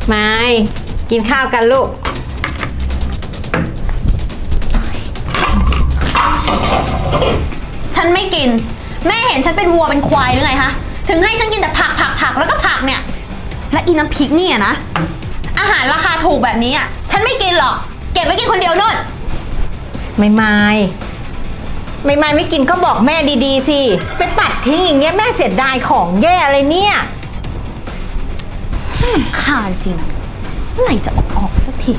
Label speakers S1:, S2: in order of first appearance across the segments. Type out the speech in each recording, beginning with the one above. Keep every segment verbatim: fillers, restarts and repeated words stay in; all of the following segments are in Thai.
S1: ไม่กินข้าวกันลูก
S2: ฉันไม่กินแม่เห็นฉันเป็นวัวเป็นควายหรือไงฮะถึงให้ฉันกินแต่ผักผักผักแล้วก็ผักเนี่ยและอีน้ำพริกเนี่ยนะอาหารราคาถูกแบบนี้อ่ะฉันไม่กินหรอกเก็บไว้กินคนเดียวนู่น
S1: ไม่ไม่ไม่ไม่ไม่กินก็บอกแม่ดีๆสิไปปัดทิ้งอย่างเงี้ยแม่เสียดายของแย่เลยเนี่ย
S2: ข่าจริงเมื่อไหร่จะออกออกสักที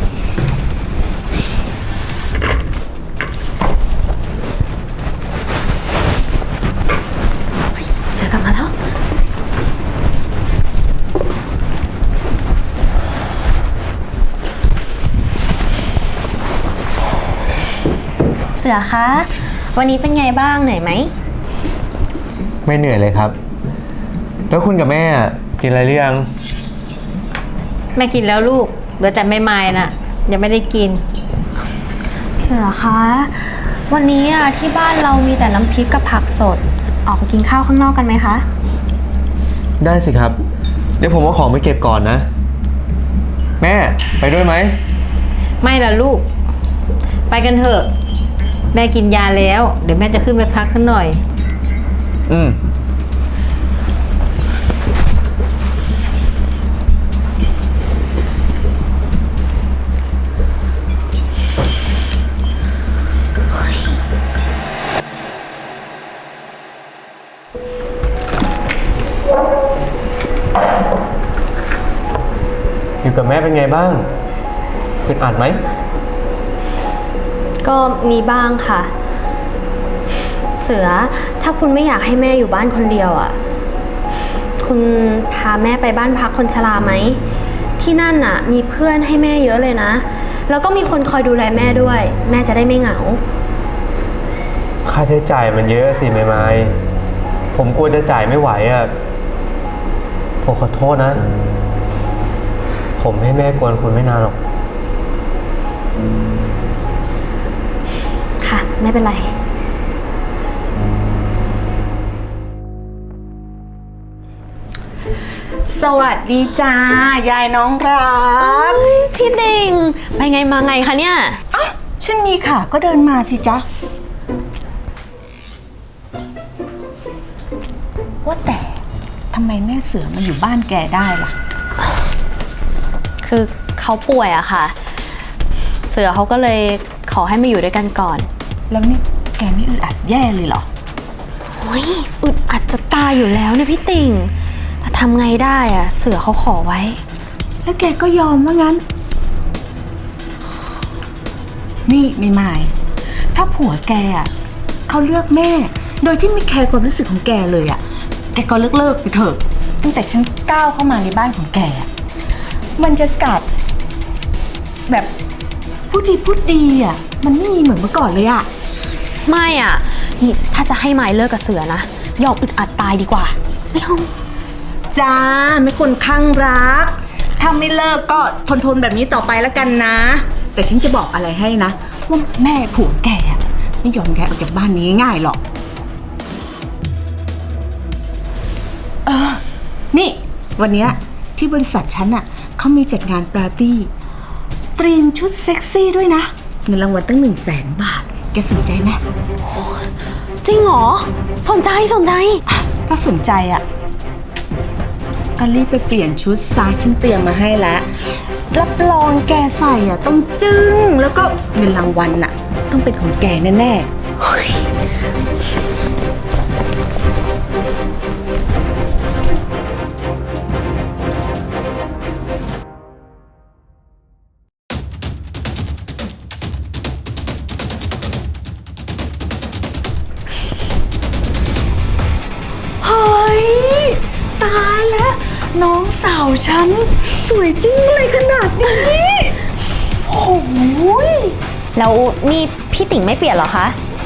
S2: เสือกลับมาแล้วเสือคะวันนี้เป็นไงบ้างเหนื่อยไหม
S3: ไม่เหนื่อยเลยครับแล้วคุณกับแม่กินอะไรหรือยัง
S1: แม่กินแล้วลูกเหลือแต่ไม่ไม่น่ะยังไม่ได้กิน
S2: เสือคะวันนี้อ่ะที่บ้านเรามีแต่น้ำพริกกับผักสดออกไปกินข้าวข้างนอกกันไหมคะ
S3: ได้สิครับเดี๋ยวผมเอาของไปเก็บก่อนนะแม่ไปด้วยไหม
S1: ไม่ล่ะลูกไปกันเถอะแม่กินยาแล้วเดี๋ยวแม่จะขึ้นไปพักสักหน่อย
S3: อืมอยู่กับแม่เป็นไงบ้างอึดอัดไหม
S2: ก็มีบ้างค่ะเสือถ้าคุณไม่อยากให้แม่อยู่บ้านคนเดียวอ่ะคุณพาแม่ไปบ้านพักคนชราไหมที่นั่นน่ะมีเพื่อนให้แม่เยอะเลยนะแล้วก็มีคนคอยดูแลแม่ด้วยแม่จะได้ไม่เหงา
S3: ค่าใช้จ่ายมันเยอะสิไม่ไม่ผมกลัวจะจ่ายไม่ไหวอ่ะผมขอโทษนะผมให้แม่กวนคุณไม่นานหรอก
S2: ค่ะไม่เป็นไร
S4: สวัสดีจ้ายายน้องรัก
S2: พี่ติ่งไปไงมาไงคะเนี่ย
S4: อ่ะฉันมีค่ะก็เดินมาสิจ๊ะว่าแต่ทำไมแม่เสือมาอยู่บ้านแกได้ล่ะ
S2: คือเขาป่วยอะค่ะเสือเขาก็เลยขอให้มาอยู่ด้วยกันก่อน
S4: แล้วนี่แกไม่อึดอัดแย่เลยเหรอ
S2: โอ้ยอึดอัดจะตายอยู่แล้วเนี่ยพี่ติ่งแต่ทำไงได้อะเสือเขาขอไว้
S4: แล้วแกก็ยอมว่างั้นนี่ไม่ไม่ถ้าผัวแกอะเขาเลือกแม่โดยที่ไม่แคร์ความรู้สึกของแกเลยอะแกก็เลิกเลิกไปเถอะตั้งแต่ฉันก้าวเข้ามาในบ้านของแกมันจะกัดแบบพูดดีพูดดีอ่ะมันไม่มีเหมือนเมื่อก่อนเลยอ่ะ
S2: ไม่อ่ะนี่ถ้าจะให้ไม้เลิกกับเสือนะยอมอึดอัดตายดีกว่าไม่เอา
S4: จ้าไม่คนข้างรักถ้าไม่เลิกก็ทนทนแบบนี้ต่อไปแล้วกันนะแต่ฉันจะบอกอะไรให้นะว่าแม่ผัวแกไม่ยอมแกออกจากบ้านนี้ง่ายหรอกเออนี่วันนี้ที่บริษัทฉันอ่ะเขามีจัดงานปาร์ตี้เตรียมชุดเซ็กซี่ด้วยนะเงินรางวัลตั้งหนึ่งแสนบาทแกสนใจไหม
S2: จริงเหรอสนใจสนใจ
S4: ถ้าสนใจอ่ะก็รีบไปเปลี่ยนชุดซะฉันเตรียมมาให้แล้วรับรองแกใส่อ่ะต้องจึ้งแล้วก็เงินรางวัลอ่ะต้องเป็นของแกแน่ๆตายแล้วน้องสาวฉันสวยจริงเลยขนาดนี้โอ้ย
S2: แล้วนี่พี่ติ่งไม่เปลี่ยนเหรอคะ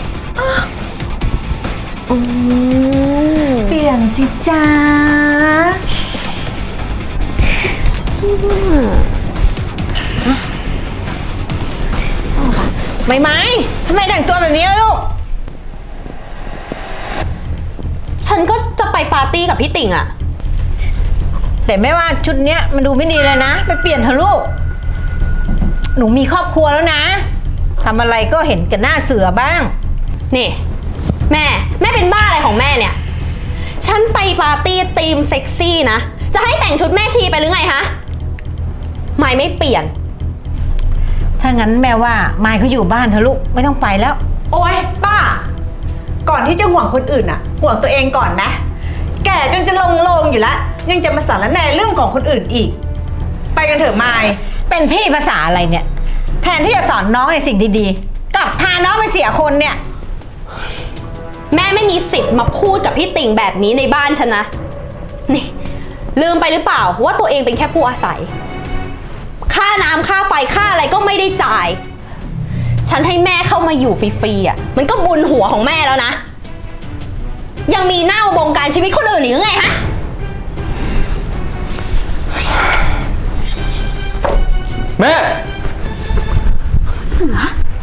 S4: อืมเปลี่ยนสิจ้า
S1: ไม่ไม่ทำไมแต่งตัวแบบนี้ล่ะลูก
S2: ฉันก็จะไปปาร์ตี้กับพี่ติ่งอะ
S1: แต่แม่ว่าชุดเนี้ยมันดูไม่ดีเลยนะ ไปเปลี่ยนเถอะลูก หนูมีครอบครัวแล้วนะทำอะไรก็เห็นกันหน้าเสือบ้าง
S2: นี่ แม่ แม่เป็นบ้าอะไรของแม่เนี่ย ฉันไปปาร์ตี้ธีมเซ็กซี่นะ จะให้แต่งชุดแม่ชีไปหรือไงฮะไม่ไม่เปลี่ยน
S1: ถ้างั้นแม่ว่ามายเขาอยู่บ้านเถอะลูกไม่ต้องไปแล้ว
S4: โอ๊ยป้า ก่อนที่จะห่วงคนอื่นอะห่วงตัวเองก่อนนะ แก่จนจะลงโลงอยู่แล้ว ยังจะมาสารแหน่เรื่องของคนอื่นอีก ไปกันเถอะมาย
S1: เป็นพี่ภาษาอะไรเนี่ย แทนที่จะสอนน้องในสิ่งดีๆกลับพาน้องไปเสียคนเนี่ย
S2: แม่ไม่มีสิทธิ์มาพูดกับพี่ติ่งแบบนี้ในบ้านฉันนะ นี่ลืมไปหรือเปล่าว่าตัวเองเป็นแค่ผู้อาศัย ค่าน้ำค่าไฟค่าอะไรก็ไม่ได้จ่าย ฉันให้แม่เข้ามาอยู่ฟรีๆอ่ะ มันก็บุญหัวของแม่แล้วนะ ยังมีหน้ามาบงการชีวิตคนอื่นอีกหรือไงฮะ
S3: แม่
S2: เสือ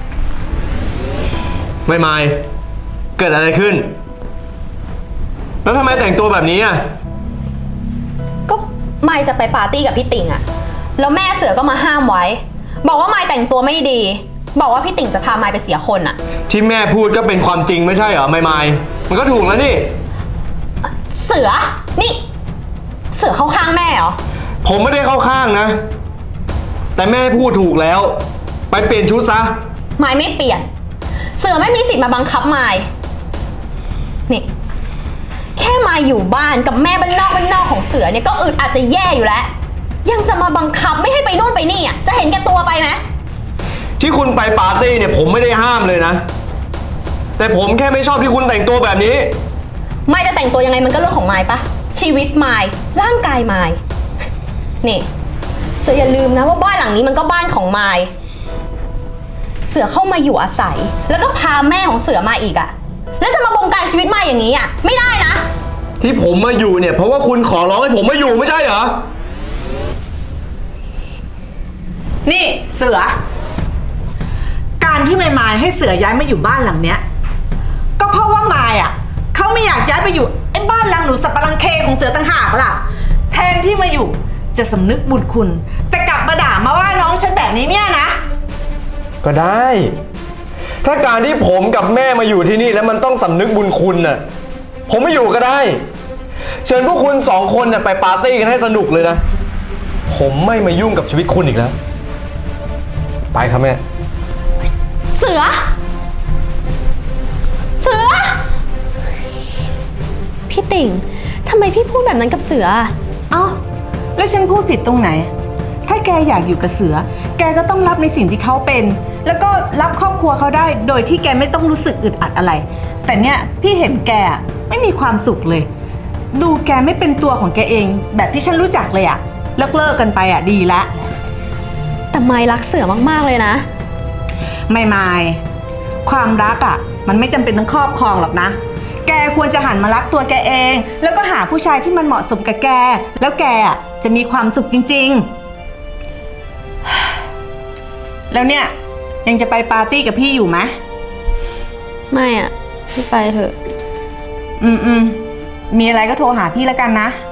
S3: ไม่ไม่เกิดอะไรขึ้น แล้วทำไมแต่งตัวแบบนี้อ่ะ
S2: ก็ไม่จะไปปาร์ตี้กับพี่ติ่งอะแล้วแม่เสือก็มาห้ามไว้ บอกว่าไม่แต่งตัวไม่ดี บอกว่าพี่ติ่งจะพาไม่ไปเสียคนอะ
S3: ที่แม่พูดก็เป็นความจริงไม่ใช่เหรอไม่ไม่มันก็ถูกแล้วนี่
S2: เสือ นี่ เสือเข้าข้างแม่เหรอ
S3: ผมไม่ได้เข้าข้างนะ แต่แม่พูดถูกแล้ว ไปเปลี่ยนชุดซะ
S2: ไม่ไม่เปลี่ยน เสือไม่มีสิทธิ์มาบังคับไม่นี่ แค่มาอยู่บ้านกับแม่บ้านนอกบ้านนอกของเสือเนี่ยก็อึดอาจจะแย่อยู่แล้ว ยังจะมาบังคับไม่ให้ไปนู่นไปนี่อ่ะ จะเห็นแก่ตัวไปไหม
S3: ที่คุณไปปาร์ตี้เนี่ยผมไม่ได้ห้ามเลยนะ แต่ผมแค่ไม่ชอบที่คุณแต่งตัวแบบนี้
S2: ไม่จะแต่งตัวยังไงมันก็เรื่องของไม้ปะชีวิตไม้ร่างกายไม้นี่เสืออย่าลืมนะว่าบ้านหลังนี้มันก็บ้านของไม้เสือเข้ามาอยู่อาศัย แล้วก็พาแม่ของเสือมาอีกอะแล้วจะมาบงการชีวิตไม้อย่างนี้อะไม่ได้นะ
S3: ที่ผมมาอยู่เนี่ยเพราะว่าคุณขอร้องให้ผมมาอยู่ไม่ใช่เหรอ
S4: นี่เสือ การที่มายมายให้เสือย้ายมาอยู่บ้านหลังเนี้ย ก็เพราะว่ามายอ่ะเขาไม่อยากย้ายไปอยู่ไอ้บ้านหลังหนูสับปะรังเคของเสือต่างหากล่ะ แทนที่มาอยู่จะสำนึกบุญคุณ แต่กลับมาด่ามาว่าน้องฉันแบบนี้เนี่ยนะ
S3: ก็ได้ ถ้าการที่ผมกับแม่มาอยู่ที่นี่แล้วมันต้องสำนึกบุญคุณน่ะ ผมไม่อยู่ก็ได้ เชิญพวกคุณสองคนน่ะไปปาร์ตี้กันให้สนุกเลยนะ ผมไม่มายุ่งกับชีวิตคุณอีกแล้ว ไปครับแม่
S2: เสือ เสือ พี่ติ่งทำไมพี่พูดแบบนั้นกับเสือ
S4: เอ้าแล้วฉันพูดผิดตรงไหน ถ้าแกอยากอยู่กับเสือ แกก็ต้องรับในสิ่งที่เขาเป็น แล้วก็รับครอบครัวเขาได้ โดยที่แกไม่ต้องรู้สึกอึดอัดอะไร แต่เนี่ยพี่เห็นแกไม่มีความสุขเลย ดูแกไม่เป็นตัวของแกเอง แบบที่ฉันรู้จักเลยอะเลิกเลิกกันไปอะดีละ
S2: แต่ไม้รักเสือมากๆเลยนะ
S4: ไม่ไม่ความรักอะมันไม่จำเป็นต้องครอบครองหรอกนะ แกควรจะหันมารักตัวแกเอง แล้วก็หาผู้ชายที่มันเหมาะสมกับแก แล้วแกอะจะมีความสุขจริงๆ แล้วเนี่ยยังจะไปปาร์ตี้กับพี่อยู่ไหม
S2: ไม่อ่ะพี่ไปเถอะ
S4: อืมอืมมีอะไรก็โทรหาพี่แล้วกันนะ